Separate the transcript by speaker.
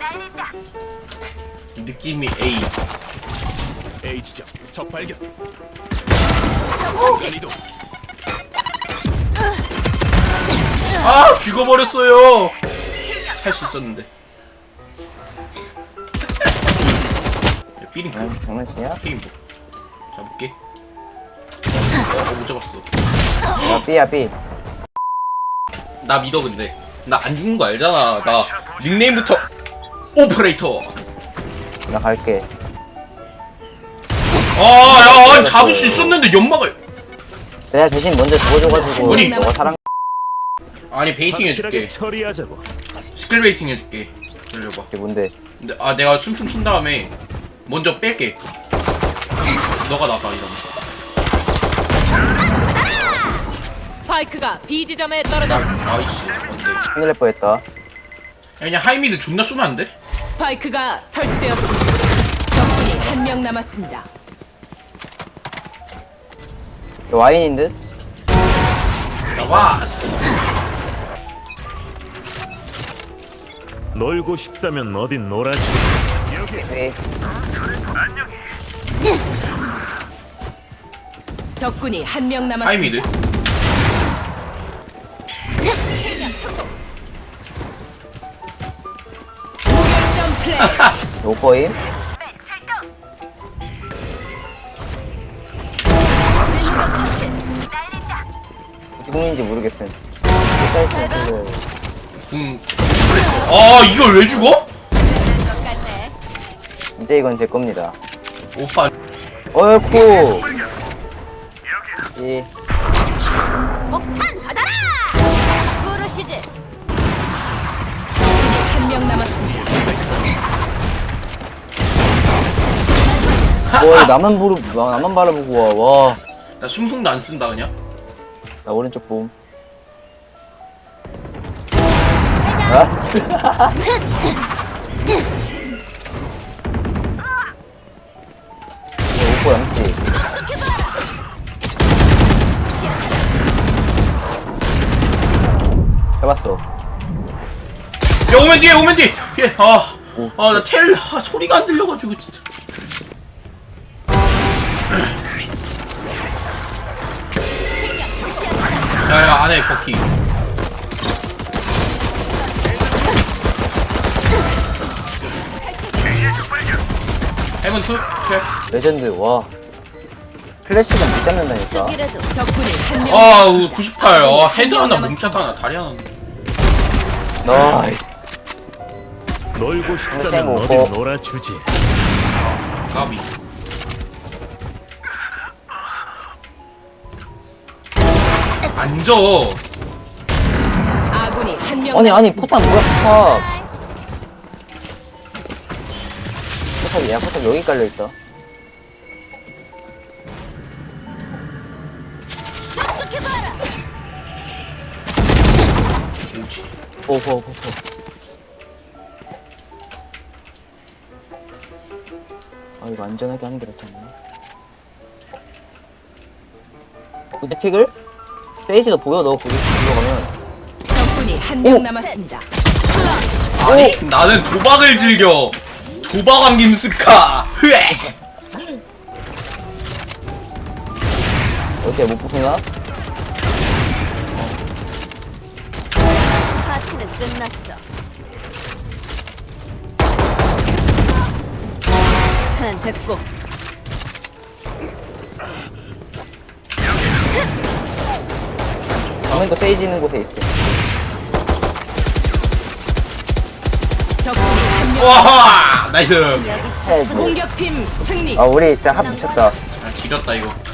Speaker 1: 느낌이 A.
Speaker 2: A 지점 적 발견.
Speaker 1: 아 죽어버렸어요. 할 수 있었는데. 야, 삐링
Speaker 3: 아, 장난치냐?
Speaker 1: 게임 뭐 잡을게. 못 잡았어.
Speaker 3: 야, B야, B.
Speaker 1: 나 믿어. 근데 나 안 죽는 거 알잖아. 나 닉네임부터 오퍼레이터.
Speaker 3: 나 갈게.
Speaker 1: 아야 잡을 수 있었는데 연막을.
Speaker 3: 내가 대신 먼저 죽어줘가지고
Speaker 1: 아니.
Speaker 3: 너가 사랑.
Speaker 1: 아니 베이팅
Speaker 2: 확실하게
Speaker 1: 해줄게.
Speaker 2: 처리하자고.
Speaker 1: 스킬 베이팅 해줄게. 기다려봐.
Speaker 3: 이게 뭔데?
Speaker 1: 근데 내가 춤춤 춘 다음에 먼저 뺄게. 너가 나가 이러면.
Speaker 4: 스파이크가 B 지점에 떨어졌습니다.
Speaker 1: 나이스. 뭔데?
Speaker 3: 큰일 날 뻔했다.
Speaker 1: 야, 그냥 하이미드 존나 쏘면 안 돼?
Speaker 4: 스파이크가 설치되었습니다. 적군이 한 명 남았습니다.
Speaker 3: 이거 와인인 듯?
Speaker 1: 나 와스.
Speaker 2: 놀고 싶다면 어딘 놀아주지. 여기.
Speaker 3: B.
Speaker 4: 적군이 한 명 남았습니다.
Speaker 1: 하이미드.
Speaker 4: 무결점 플레이.
Speaker 3: 노포임? 어디 국민인지 모르겠음. 사이트
Speaker 1: 궁. 아 이걸 왜 죽어?
Speaker 3: 이제 이건 제 겁니다.
Speaker 1: 오빠.
Speaker 3: 어이쿠. 이
Speaker 5: 폭탄 받아라! 부르시지.
Speaker 4: 한 명 남았습니다.
Speaker 3: 뭐 나만 바라보고 와.
Speaker 1: 나 순풍도 안 쓴다 그냥.
Speaker 3: 나 오른쪽 봄. 아? 오빠 양치. 해봤어.
Speaker 1: 야 오면 뒤에 오면 뒤에. 예. 아나 텔 소리가 안 들려가지고 진짜. 야야 안에 버키. 해븐 투 탭.
Speaker 3: 레전드 와. 클래식은 못 잡는다니까.
Speaker 5: 수비라도
Speaker 4: 적군이 한 명.
Speaker 1: 아 98. 헤드 하나 몸샷 하나 다리 하나.
Speaker 3: 나이스.
Speaker 2: 놀고 싶다면
Speaker 3: 쌤
Speaker 2: 어딘
Speaker 3: 오고.
Speaker 2: 놀아주지.
Speaker 1: 가비. 앉아.
Speaker 4: 아군이 한 명.
Speaker 3: 아니
Speaker 4: 남았습니다.
Speaker 3: 포탑 뭐야 포탑. 포탑 여기 깔려있다.
Speaker 5: 촉촉해봐라.
Speaker 1: 뭐지?
Speaker 3: 포. 아 이거 안전하게 하는 게 낫지 않나? 근데 픽을? 세이지도 보여 너 거기 들어가면.
Speaker 4: 적군이 한 명
Speaker 3: 오!
Speaker 4: 남았습니다.
Speaker 1: 아니 나는 도박을 즐겨. 도박왕 김스카. 흐에.
Speaker 3: 어때 못 보시나?
Speaker 5: 파티는 끝났어. 하나는 됐고.
Speaker 3: 화면도 세이지 있는 곳에 있어.
Speaker 4: 적군이 한 명.
Speaker 1: 와하 나이스.
Speaker 5: 여기 있어.
Speaker 3: 어, 뭐.
Speaker 4: 공격팀 승리.
Speaker 3: 아 우리 진짜 합 미쳤다.
Speaker 1: 아 지렸다 이거.